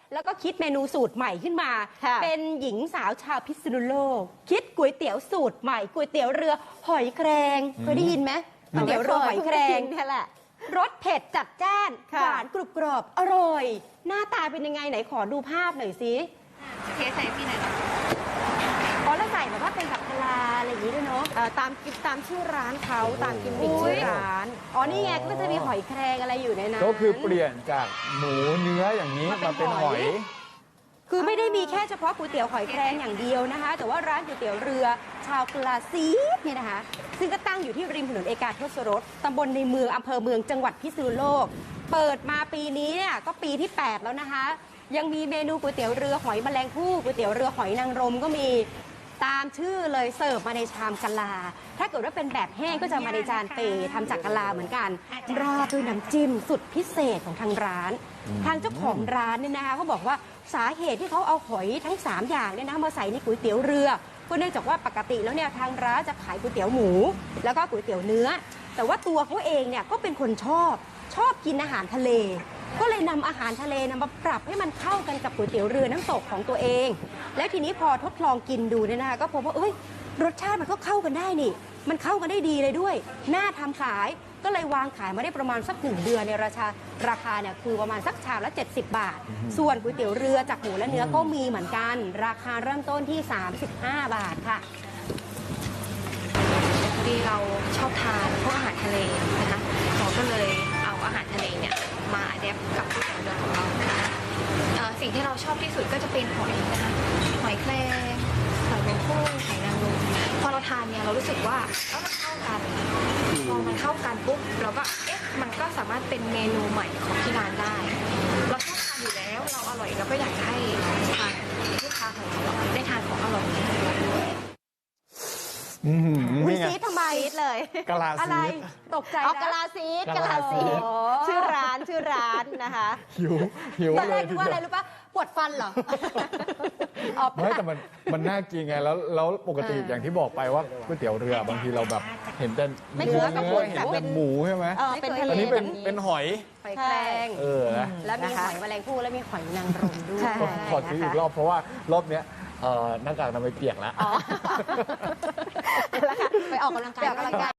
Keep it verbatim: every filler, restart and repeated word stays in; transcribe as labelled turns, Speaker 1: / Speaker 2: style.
Speaker 1: แล้วก็คิดเมนูสูตรใหม่ขึ้นมา เป็นหญิงสาวชาวพิษณุโลกคิดก๋วยเตี๋ยวสูตรใหม่ก๋วยเตี๋ยวเรือหอยแครงเคยได้ยินไหมก๋วยเตี๋ยวเรือหอยแครง
Speaker 2: นี่แหละ
Speaker 1: รสเผ็ดจัดจ้านหวานกรุบกรอบอร่อยหน้าตาเป็นยังไงไหนขอดูภาพหน่อยสิ
Speaker 3: เทใส่พี่หน่อย
Speaker 1: อ๋อแล้วใส่แบบว่าเป็นกับพลาอะไรอย่างนี้ด้วยเนาะ
Speaker 2: ตามกิมตามชื่อร้านเขาตามกิมมิคชื่อร้าน
Speaker 1: อ๋อนี่ไงก็จะมีหอยแครงอะไรอยู่ในนั้น
Speaker 4: ก็คือเปลี่ยนจากหมูเนื้ออย่างนี้มาเป็นหอย
Speaker 1: คือไม่ได้มีแค่เฉพาะก๋วยเตี๋ยวหอยแครงอย่างเดียวนะคะแต่ว่าร้านก๋วยเตี๋ยวเรือชาวกลาซีเนี่ยนะคะซึ่งก็ตั้งอยู่ที่ริมถนนเอกาทศรสตำบลในเมืองอำเภอเมืองจังหวัดพิษณุโลกเปิดมาปีนี้เนี่ยก็ปีที่แปดแล้วนะคะยังมีเมนูก๋วยเตี๋ยวเรือหอยแมลงภู่ก๋วยเตี๋ยวเรือหอยนางรมก็มีตามชื่อเลยเสิร์ฟมาในชามกะลาถ้าเกิดว่าเป็นแบบแห้งก็จะมาในจานเปทำจากกะลาเหมือนกันราดด้วยน้ำจิ้มสุดพิเศษของทางร้านทางเจ้าของร้านเนี่ยนะคะเขาบอกว่าสาเหตุที่เขาเอาหอยทั้งสามอย่างเนี่ยนะมาใส่ในก๋วยเตี๋ยวเรือก็เนื่องจากว่าปกติแล้วเนี่ยทางร้านจะขายก๋วยเตี๋ยวหมูแล้วก็ก๋วยเตี๋ยวเนื้อแต่ว่าตัวเขาเองเนี่ยก็เป็นคนชอบชอบกินอาหารทะเลก็เลยนำอาหารทะเลนำมาปรับให้มันเข้ากันกับก๋วยเตี๋ยวเรือน้ำตกของตัวเองแล้วทีนี้พอทดลองกินดูเนี่ยนะคะก็พบว่าเอ้ยรสชาติมันก็เข้ากันได้นี่มันเข้ากันได้ดีเลยด้วยน่าทำขายก็เลยวางขายมาได้ประมาณสักหนึ่งเดือนในราคาราคาเนี่ยคือประมาณสักชามละเจ็ดสิบบาทส่วนก๋วยเตี๋ยวเรือจากหมูและเนื้อก็มีเหมือนกันราคาเริ่มต้นที่สามสิบห้าบาทค่ะ
Speaker 3: พอดีเราชอบทานพวกอาหารทะเลนะคะเราก็เลยเอาอาหารทะเลเนี่ยมาอัดแอปกับก๋วยเตี๋ยวเรือของเรานะคะสิ่งที่เราชอบที่สุดก็จะเป็นหอยนะคะหอยแครงหอยแมงภู่หอยนางรมพอเราทานเนี่ยเรารู้สึกว่าเอ้ามันเข้ากันพอมันเข้ากันปุ๊บเราก็เอ๊ะมันก็สามารถเป็นเมนูใหม่ของที่ร้านได้เราชอบทานอยู่แล้วเราอร่อยเราก็อยากให้ทานลูกค้าของเราได้ทานของอร่อยด้วย
Speaker 1: คุณซีดทำไม
Speaker 2: เลย
Speaker 4: กะลาซีด
Speaker 1: ตกใจ
Speaker 2: เอากะลาซีดกะลาซีดชื่อร้านชื่อร้านนะคะ
Speaker 4: หิวหิว
Speaker 1: ตอนแร
Speaker 4: เล
Speaker 1: ก
Speaker 4: ย
Speaker 1: คิดว่าอะไรรู้ป่ะปวดฟันเหรอ
Speaker 4: ไม่แต่มันมันน่ากินไงแล้วแล้วปกติอย่างที่บอกไปว่าก๋วยเตี๋ยวเรือบางทีเราแบบเห็นแต่เนื้อเห็นแต่หมูใช่ไหมอันนี้เป็นเป็นหอย
Speaker 1: หอยแครง
Speaker 4: เออ
Speaker 1: แล้วมีหอยแมลงภู่แล้วมีหอยนางรมด้วย
Speaker 4: ขอซื้ออีกรอบเพราะว่ารอบเนี้ยหน้ากากทำไมเปียกแล้ว
Speaker 1: ไปออกกำลังกาย